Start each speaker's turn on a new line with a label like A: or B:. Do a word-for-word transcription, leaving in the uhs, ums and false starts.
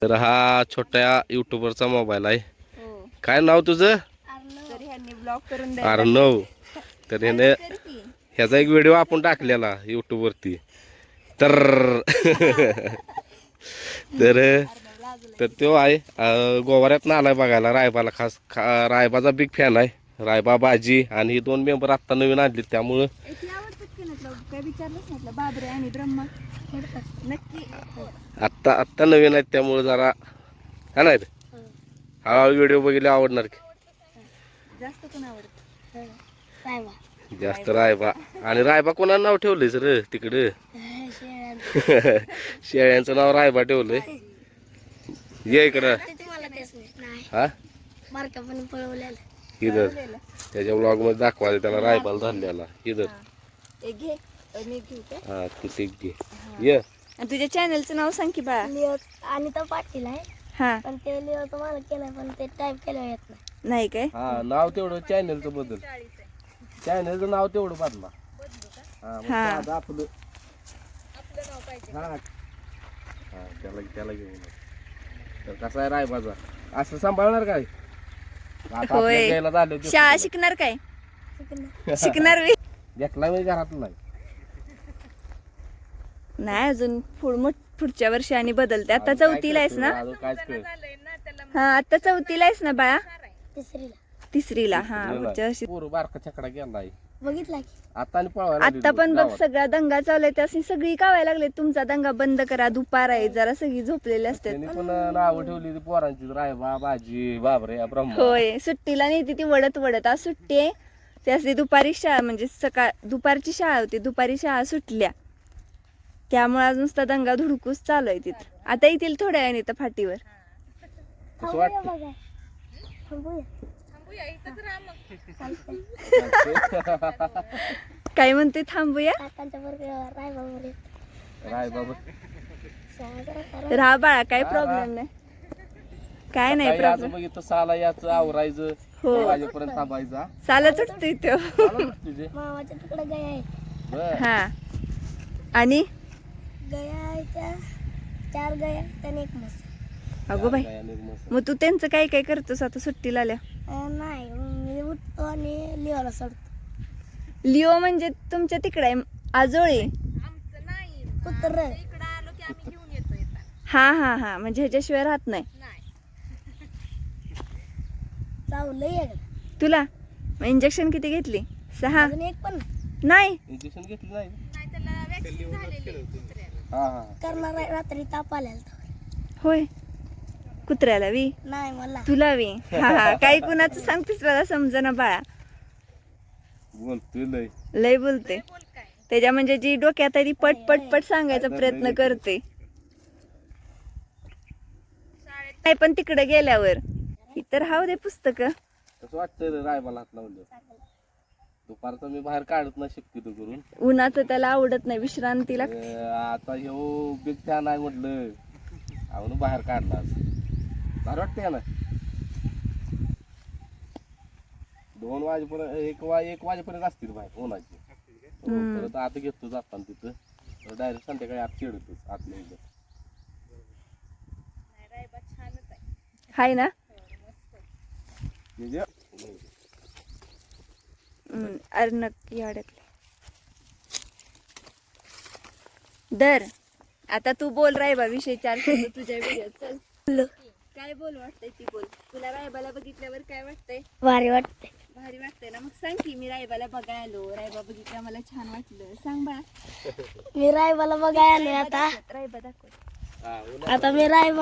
A: तर हा छोट्या युट्यूबरचा मोबाईल आहे.
B: हो.
A: काय नाव तुझं?
B: तर ह्यांनी ब्लॉग करून
A: अर्णव. तर ह्याने ह्याचा एक व्हिडिओ आपण टाकलेला युट्यूब वरती. तर तर तर तो आहे गोवाऱ्यात आलाय बघायला रायबाला. खास खा रायबाचा बिग फॅन आहे. रायबा बाजी आणि ही दोन मेंबर आत्ता नवीन आणले त्यामुळं
B: काय विचारलंच म्हटलं बाबरे आणि ब्रह्मा नक्की
A: आत्ता आत्ता नवीन आहेत त्यामुळे जरा हा नाही हळूहळू व्हिडिओ बघितले आवडणार की
B: जास्त कोण आवडत
A: जास्त रायबा. आणि रायबा कोणाला नाव ठेवलंय सर तिकडं? शेळ्यांचं नाव रायबा ठेवलंय. ये इकडं हा इधर त्याच्या ब्लॉग मध्ये दाखवा त्याला रायबाला धरलेला इधर. हा किती घे ये.
B: तुझ्या चॅनलचं नाव सांग की बाळा.
C: लिओ अनिता पाटील आहे.
B: हा
C: पण ते लिओ तुम्हाला केलं पण ते टाईप केलं येत नाही.
B: नाही काय?
A: हा नाव तेवढं चॅनलचं बदल. चॅनलचं नाव तेवढं बदला. हा मग
B: हा.
A: साधं आपलं हा हा त्याला त्याला घेऊन तर कसा आहे रायबाचा असं सांभाळणार काय? आता
B: होय.
A: आपल्या घ्यायला झालं ते
B: शाळा शिकणार काय? शिकणार बी
A: घेतला मी घरात नाही.
B: नाही अजून पुढ मोठ पुढच्या वर्षी आणि बदलते. आता चौथीला आहेस ना?
A: अजून कायच कळत.
B: हा आता चौथीला आहेस ना बाळा?
C: तिसरीला
B: तिसरीला. हा पुढच्या वर्षी.
A: पोरं बारका छकडा गेलाय
C: बघितला की
A: आता आणि पळवायला लागली
B: आता पण बघ
A: गावात.
B: सगळा दंगा चालू आहे त्याची सगळी कावायला लागले. तुमचा दंगा बंद करा. दुपार आहे जरा सगळी झोपलेली असतात.
A: त्यांनी पण नावं ठेवली ती पोरांची रायबा बाजी बाबरे ब्रह्मा.
B: होय सुट्टीला नेते ती वडत वडत. आज सुट्टी आहे त्याची दुपारी शाळा म्हणजे सकाळ दुपारची शाळा होती. दुपारी शाळा सुटल्या त्यामुळे आज नुसता दंगा धुडकूस चालू आहे तिथं. आता येतील थोड्या वेळाने तर फाटीवर.
A: कसं वाटतं?
C: बघा थांबूया
B: काय म्हणते थांबूया?
C: काकांच्या बरोबर रायबा बरोबर
A: रायबाबा
C: शाळा जरा करा.
B: तर हा बाळा काय प्रॉब्लेम नाही. काय नाही
A: सकाळी आज
B: प्रॉब्लेम.
A: बघितलं साला याचं आवरायचं
B: हो.
A: वाजेपर्यंत थांबायचा.
B: चालत उठतोय तो.
A: चालत तुझे
C: मामाच्या तिकडे गया आहे.
A: बर
B: हा आणि
C: गया आहे त्या चार गया त्याने एक म्हस.
B: अगो बाई मग तू त्यांचं काय काय करतोस आता सुट्टीला आल्या?
C: अं, नाही मी उठतो आणि लिओला सोडतो.
B: लिओ म्हणजे तुमच्या तिकडे आहे आजोळी?
C: कुत्र
B: हा हा हा म्हणजे ह्याच्याशिवाय राहत नाही
C: चावलं एक
B: तुला. मग इंजेक्शन किती घेतली? सहा?
C: अजून एक पण
B: नाही
A: इंजेक्शन घेतलं नाही हा हा
C: करणार आहे. रात्री ताप आलेला तो.
B: होय कुत्र्याला वी
C: नाही मला
B: तुला वी हा हा काही कुणाचं सांगतेस मला समजना बाळा.
A: बोलतोय लय
B: लय बोलते त्याच्या म्हणजे जी डोक्यात आहे ती पट पट पट सांगायचा प्रयत्न करते. नाही पण तिकडे गेल्यावर इतर हाव दे पुस्तक.
A: कसं वाटतंय रे रायबाला हात लावलं? दुपारचं मी बाहेर काढत नाही शक्यतो करून.
B: उन्हाचं त्याला आवडत नाही विश्रांती लागते.
A: अं, आता ह्यो बिग फॅन आहे म्हटलं आवडून बाहेर काढला आज. भारी वाटतंय ना. दोन वाजेपर्यंत एक वा एक वाजेपर्यंत असतील बाहेर उन्हाची. हो, परत आता घेतो जाताना तिथं डायरेक्ट संध्याकाळी आत खेळतोच आतल्या इथं.
B: हाय ना.
A: म्हणजे
B: हम्म, अरे नक्की अडकले. दर आता तू बोल रायबा विषय चार शब्द तुझ्या व्हिडिओत. चल काय बोल वाटतंय ती बोल. तुला रायबाला बघितल्यावर काय वाटतंय?
C: भारी वाटते.
B: भारी वाटतंय ना. मग सांग की मी रायबाला बघायला आलो. रायबा बघितल्या मला छान वाटलं. सांग बा.
C: मी रायबाला बघायला आले आता.
B: रायबा दाखव.
A: हा
C: आता मी रायबा